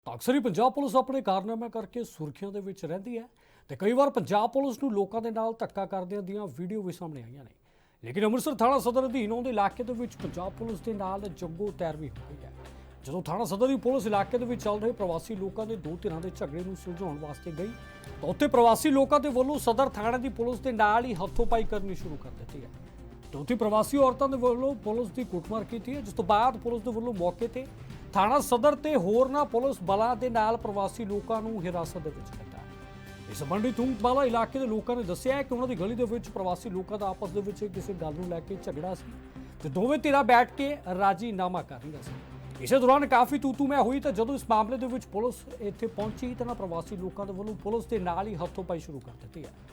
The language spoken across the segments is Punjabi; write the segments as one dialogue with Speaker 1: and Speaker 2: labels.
Speaker 1: ਤਾਂ ਅਕਸਰ ਹੀ ਪੰਜਾਬ ਪੁਲਿਸ ਆਪਣੇ ਕਾਰਨਾਮਿਆਂ ਕਰਕੇ ਸੁਰਖੀਆਂ ਦੇ ਵਿੱਚ ਰਹਿੰਦੀ ਹੈ ਤੇ ਕਈ ਵਾਰ ਪੰਜਾਬ ਪੁਲਿਸ ਨੂੰ ਲੋਕਾਂ ਦੇ ਨਾਲ ਧੱਕਾ ਕਰਦਿਆਂ ਦੀਆਂ ਵੀਡੀਓ ਵੀ ਸਾਹਮਣੇ ਆਈਆਂ ਨੇ। ਲੇਕਿਨ ਅੰਮ੍ਰਿਤਸਰ ਥਾਣਾ ਸਦਰ ਅਧੀਨ ਆਉਂਦੇ ਇਲਾਕੇ ਦੇ ਵਿੱਚ ਪੰਜਾਬ ਪੁਲਿਸ ਦੇ ਨਾਲ ਜੰਗੋ ਤੈਰ ਵੀ ਹੋ ਗਈ ਹੈ। ਜਦੋਂ ਥਾਣਾ ਸਦਰ ਦੀ ਪੁਲਿਸ ਇਲਾਕੇ ਦੇ ਵਿੱਚ ਚੱਲ ਰਹੇ ਪ੍ਰਵਾਸੀ ਲੋਕਾਂ ਦੇ ਦੋ ਧਿਰਾਂ ਦੇ ਝਗੜੇ ਨੂੰ ਸੁਲਝਾਉਣ ਵਾਸਤੇ ਗਈ ਤਾਂ ਉੱਥੇ ਪ੍ਰਵਾਸੀ ਲੋਕਾਂ ਦੇ ਵੱਲੋਂ ਸਦਰ ਥਾਣੇ ਦੀ ਪੁਲਿਸ ਦੇ ਨਾਲ ਹੀ ਹੱਥੋਂ-ਪਾਈ ਕਰਨੀ ਸ਼ੁਰੂ ਕਰ ਦਿੱਤੀ ਹੈ। ਉੱਥੇ ਪ੍ਰਵਾਸੀ ਔਰਤਾਂ ਦੇ ਵੱਲੋਂ ਪੁਲਿਸ ਦੀ ਕੁੱਟਮਾਰ ਕੀਤੀ ਹੈ, ਜਿਸ ਤੋਂ ਬਾਅਦ ਪੁਲਿਸ ਦੇ ਵੱਲੋਂ ਮੌਕੇ ਤੇ ਥਾਣਾ ਸਦਰ ਤੇ ਹੋਰਨਾਂ ਪੁਲਿਸ ਬਲਾਂ ਦੇ ਨਾਲ ਪ੍ਰਵਾਸੀ ਲੋਕਾਂ ਨੂੰ ਹਿਰਾਸਤ ਦੇ ਵਿੱਚ ਲਿੱਤਾ। ਇਸ ਸੰਬੰਧੀ ਤੁੰਗਵਾਲਾ ਇਲਾਕੇ ਦੇ ਲੋਕਾਂ ਨੇ ਦੱਸਿਆ ਕਿ ਉਹਨਾਂ ਦੀ ਗਲੀ ਦੇ ਵਿੱਚ ਪ੍ਰਵਾਸੀ ਲੋਕਾਂ ਦਾ ਆਪਸ ਦੇ ਵਿੱਚ ਕਿਸੇ ਗੱਲ ਨੂੰ ਲੈ ਕੇ ਝਗੜਾ ਸੀ ਤੇ ਦੋਵੇਂ ਧਿਰਾਂ ਬੈਠ ਕੇ ਰਾਜੀਨਾਮਾ ਕਰ ਰਹੀਆਂ ਸੀ। ਇਸੇ ਦੌਰਾਨ ਕਾਫੀ ਤੂਤੂ ਮੈਂ ਹੋਈ ਤਾਂ ਜਦੋਂ ਇਸ ਮਾਮਲੇ ਦੇ ਵਿੱਚ ਪੁਲਿਸ ਇੱਥੇ ਪਹੁੰਚੀ ਤਾਂ ਪ੍ਰਵਾਸੀ ਲੋਕਾਂ ਦੇ ਵੱਲੋਂ ਪੁਲਿਸ ਦੇ ਨਾਲ ਹੀ ਹੱਥੋਂ-ਪਾਈ ਸ਼ੁਰੂ ਕਰ ਦਿੱਤੀ ਹੈ।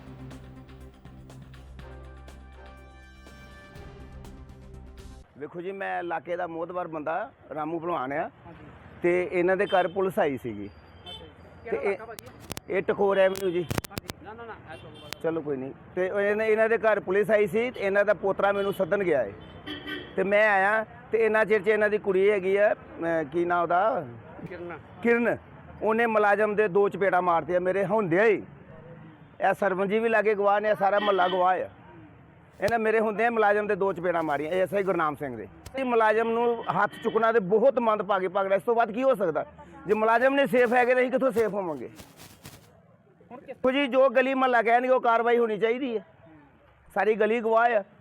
Speaker 2: ਵੇਖੋ ਜੀ, ਮੈਂ ਇਲਾਕੇ ਦਾ ਮੋਹਤਬਰ ਬੰਦਾ ਰਾਮੂ ਭਲਵਾਨ ਆ ਤੇ ਇਹਨਾਂ ਦੇ ਘਰ ਪੁਲਿਸ ਆਈ ਸੀਗੀ ਤੇ ਇਹ ਟਕੋਰ ਐਵਨਿਊ ਜੀ। ਚਲੋ ਕੋਈ ਨਹੀਂ। ਤੇ ਇਹਨਾਂ ਦੇ ਘਰ ਪੁਲਿਸ ਆਈ ਸੀ ਤੇ ਇਹਨਾਂ ਦਾ ਪੋਤਰਾ ਮੈਨੂੰ ਸੱਦਣ ਗਿਆ ਹੈ ਤੇ ਮੈਂ ਆਇਆ ਤੇ ਇਹਨਾਂ ਚਿਰ 'ਚ ਇਹਨਾਂ ਦੀ ਕੁੜੀ ਹੈਗੀ ਆ, ਕੀ ਨਾਂ ਉਹਦਾ, ਕਿਰਨ। ਉਹਨੇ ਮੁਲਾਜ਼ਮ ਦੇ ਦੋ ਚਪੇੜਾਂ ਮਾਰਤੀਆਂ ਮੇਰੇ ਹੁੰਦਿਆਂ ਹੀ। ਇਹ ਸਰਪੰਚ ਜੀ ਵੀ ਲਾਗੇ ਗਵਾਹ ਨੇ, ਸਾਰਾ ਮਹੱਲਾ ਗਵਾਹ ਆ। ਇਹਨਾਂ ਮੇਰੇ ਹੁੰਦਿਆਂ ਮੁਲਾਜ਼ਮ ਦੇ ਦੋ ਚਪੇੜਾਂ ਮਾਰੀਆਂ, ਐਸਆਈ ਗੁਰਨਾਮ ਸਿੰਘ ਦੇ। ਇਹ ਮੁਲਾਜ਼ਮ ਨੂੰ ਹੱਥ ਚੁੱਕਣਾ ਤੇ ਬਹੁਤ ਮੰਦਭਾਗੀ ਪਗੜਾ। ਇਸ ਤੋਂ ਬਾਅਦ ਕੀ ਹੋ ਸਕਦਾ? ਜੇ ਮੁਲਾਜ਼ਮ ਨੇ ਸੇਫ ਹੈਗੇ ਤਾਂ ਅਸੀਂ ਕਿੱਥੋਂ ਸੇਫ ਹੋਵਾਂਗੇ? ਦੇਖੋ ਜੀ, ਜੋ ਗਲੀ ਮਹੱਲਾ ਕਹਿਣਗੇ ਉਹ ਕਾਰਵਾਈ ਹੋਣੀ ਚਾਹੀਦੀ ਹੈ। ਸਾਰੀ ਗਲੀ ਗਵਾਹ ਆ।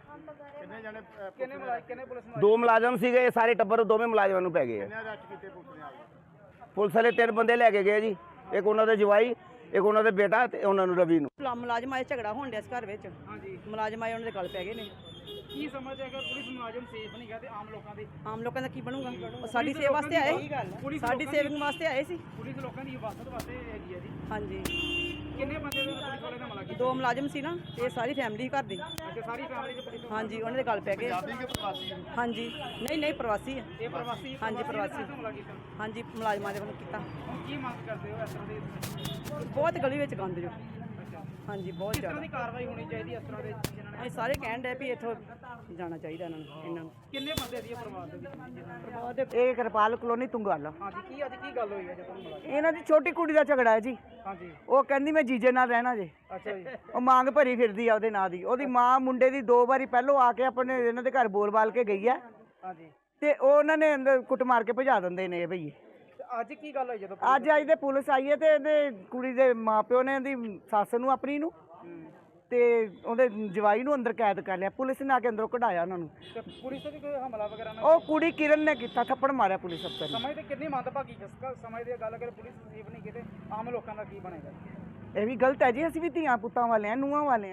Speaker 2: ਦੋ ਮੁਲਾਜ਼ਮ ਸੀਗੇ, ਇਹ ਸਾਰੇ ਟੱਬਰ ਦੋਵੇਂ ਮੁਲਾਜ਼ਮਾਂ ਨੂੰ ਪੈ ਗਏ ਆ। ਪੁਲਿਸ ਵਾਲੇ 3 ਬੰਦੇ ਲੈ ਕੇ ਗਏ ਜੀ, ਇੱਕ ਉਹਨਾਂ ਦੇ ਜਵਾਈ, ਇੱਕ ਉਹਨਾਂ ਦੇ ਬੇਟਾ ਤੇ ਉਹਨਾਂ ਨੂੰ ਰਵੀ ਨੂੰ।
Speaker 3: ਮੁਲਾਜ਼ਮ ਆਏ, ਝਗੜਾ ਹੋਣ ਡਿਆ ਇਸ ਘਰ ਵਿੱਚ। ਹਾਂਜੀ, ਮੁਲਾਜ਼ਮ ਆਏ, ਉਹਨਾਂ ਦੇ ਗਲ ਪੈ ਗਏ ਨੇ।
Speaker 4: ਕੀ ਸਮਝ ਹੈਗਾ ਪੁਲਿਸ ਮੁਲਾਜ਼ਮ ਸੇਫ ਨਹੀਂ ਗਾ ਤੇ ਆਮ ਲੋਕਾਂ
Speaker 3: ਦਾ ਕੀ ਬਣੂਗਾ? ਉਹ ਸਾਡੀ ਸੇਵਾ ਵਾਸਤੇ ਆਏ, ਸਾਡੀ ਸੇਵਿੰਗ ਵਾਸਤੇ ਆਏ ਸੀ।
Speaker 4: ਪੁਲਿਸ ਲੋਕਾਂ ਦੀ ਹਿਫਾਜ਼ਤ ਵਾਸਤੇ ਹੈਗੀ ਹੈ ਜੀ।
Speaker 3: ਹਾਂਜੀ।
Speaker 4: ਕਿੰਨੇ ਬੰਦੇ ਦੇ ਪੁਲਿਸ ਵਾਲੇ ਦਾ ਹਮਲਾ ਕੀਤਾ?
Speaker 3: 2 ਮੁਲਾਜ਼ਮ ਸੀ ਨਾ, ਇਹ ਸਾਰੀ ਫੈਮਿਲੀ ਘਰ ਦੀ।
Speaker 4: ਅੱਛਾ, ਸਾਰੀ ਫੈਮਿਲੀ ਦੇ ਪੁਲਿਸ?
Speaker 3: ਹਾਂਜੀ, ਉਹਨਾਂ ਦੇ ਗਲ ਪੈ ਗਏ। ਹਾਂਜੀ, ਨਹੀਂ ਪ੍ਰਵਾਸੀ ਹੈ।
Speaker 4: ਇਹ ਪ੍ਰਵਾਸੀ?
Speaker 3: ਹਾਂਜੀ, ਪ੍ਰਵਾਸੀ।
Speaker 4: ਹਮਲਾ ਕੀਤਾ?
Speaker 3: ਹਾਂਜੀ, ਮੁਲਾਜ਼ਮਾਂ ਦੇ ਵੱਲੋਂ ਕੀਤਾ।
Speaker 4: ਹੁਣ ਕੀ ਮੰਗ ਕਰਦੇ ਹੋ ਇਸ ਤਰ੍ਹਾਂ ਦੇ?
Speaker 3: ਬਹੁਤ ਗਲੀ ਵਿੱਚ ਗੰਦ ਜੋ।
Speaker 4: ਅੱਛਾ,
Speaker 3: ਹਾਂਜੀ, ਬਹੁਤ
Speaker 4: ਕਿਸ ਤਰ੍ਹਾਂ
Speaker 3: ਜ਼ਿਆਦਾ।
Speaker 4: ਦੀ ਕਾਰਵਾਈ ਹੋਣੀ ਚਾਹੀਦੀ ਇਸ ਤਰ੍ਹਾਂ ਦੇ ਜਿਨ੍ਹਾਂ ਨੇ?
Speaker 3: ਇਹ ਸਾਰੇ ਕਹਿਣ ਡਏ ਵੀ ਇੱਥੋਂ ਜਾਣਾ ਚਾਹੀਦਾ ਇਹਨਾਂ ਨੂੰ।
Speaker 4: ਕਿੰਨੇ ਬੰਦੇ ਦੀ ਪਰਿਵਾਰ ਦੇ ਵਿੱਚ ਜਿਨ੍ਹਾਂ ਨੇ?
Speaker 3: ਪਰਿਵਾਰ ਦੇ ਇਹ ਕਿਰਪਾਲ ਕਲੋਨੀ ਤੁੰਗਵਾਲਾ।
Speaker 4: ਹਾਂਜੀ, ਕੀ ਅੱਜ ਕੀ ਗੱਲ ਹੋਈ ਹੈ ਜਦੋਂ ਹਮਲਾ?
Speaker 3: ਇਹਨਾਂ ਦੀ ਛੋਟੀ ਕੁੜੀ ਦਾ ਝਗੜਾ ਹੈ ਜੀ।
Speaker 4: ਹਾਂਜੀ।
Speaker 3: ਉਹ ਕਹਿੰਦੀ ਮੈਂ ਜੀਜੇ ਨਾਲ ਰਹਿਣਾ ਜੇ।
Speaker 4: ਅੱਛਾ ਜੀ।
Speaker 3: ਉਹ ਮੰਗ ਭਰੀ ਫਿਰਦੀ ਆ ਉਹਦੇ ਨਾਂ ਦੀ। ਉਹਦੀ ਮਾਂ ਮੁੰਡੇ ਦੀ 2 ਵਾਰੀ ਪਹਿਲੋਂ ਆ ਕੇ ਆਪਣੇ ਇਹਨਾਂ ਦੇ ਘਰ ਬੋਲ-ਬਾਲ ਕੇ ਗਈ ਆ
Speaker 4: ਹਾਂਜੀ।
Speaker 3: ਤੇ ਉਹ ਉਹਨਾਂ ਨੇ ਅੰਦਰ ਕੁੱਟ ਮਾਰ ਕੇ ਭਜਾ ਦਿੰਦੇ ਨੇ ਇਹ ਭਈਏ।
Speaker 4: ਤੇ ਅੱਜ ਕੀ ਗੱਲ ਹੋਈ ਜਦੋਂ?
Speaker 3: ਅੱਜ ਦੇ ਪੁਲਿਸ ਆਈ ਹੈ ਤੇ ਇਹਦੇ ਕੁੜੀ ਦੇ ਮਾਪਿਓ ਨੇ ਇਹਦੀ ਸੱਸ ਨੂੰ ਆਪਣੀ ਨੂੰ ਤੇ ਉਹਦੇ ਜਵਾਈ ਨੂੰ ਅੰਦਰ ਕੈਦ ਕਰ ਲਿਆ। ਪੁਲਿਸ ਨੇ ਆ ਕੇ ਅੰਦਰੋਂ ਕਢਾਇਆ ਉਹਨਾਂ ਨੂੰ।
Speaker 4: ਤੇ ਪੁਲਿਸ ਤੇ ਵੀ ਕੋਈ ਹਮਲਾ ਵਗੈਰਾ ਨਾ?
Speaker 3: ਉਹ ਕੁੜੀ ਕਿਰਨ ਨੇ ਕੀਤਾ, ਥੱਪੜ ਮਾਰਿਆ ਪੁਲਿਸ ਅਫਸਰ ਨੇ।
Speaker 4: ਸਮਝਦੇ ਕਿੰਨੀ ਮੰਦਭਾਗੀ ਜਸਕਾ ਸਮਝਦੇ ਗੱਲ ਅਗਰ ਪੁਲਿਸ ਸੇਫ ਨਹੀਂ ਕਿਤੇ ਆਮ ਲੋਕਾਂ ਦਾ ਕੀ ਬਣੇਗਾ?
Speaker 3: ਇਹ ਵੀ ਗਲਤ ਹੈ ਜੀ। ਅਸੀਂ ਵੀ ਧੀਆਂ ਪੁੱਤਾਂ ਵਾਲੇ ਆ, ਨੂੰਹਾਂ ਵਾਲੇ ਆ।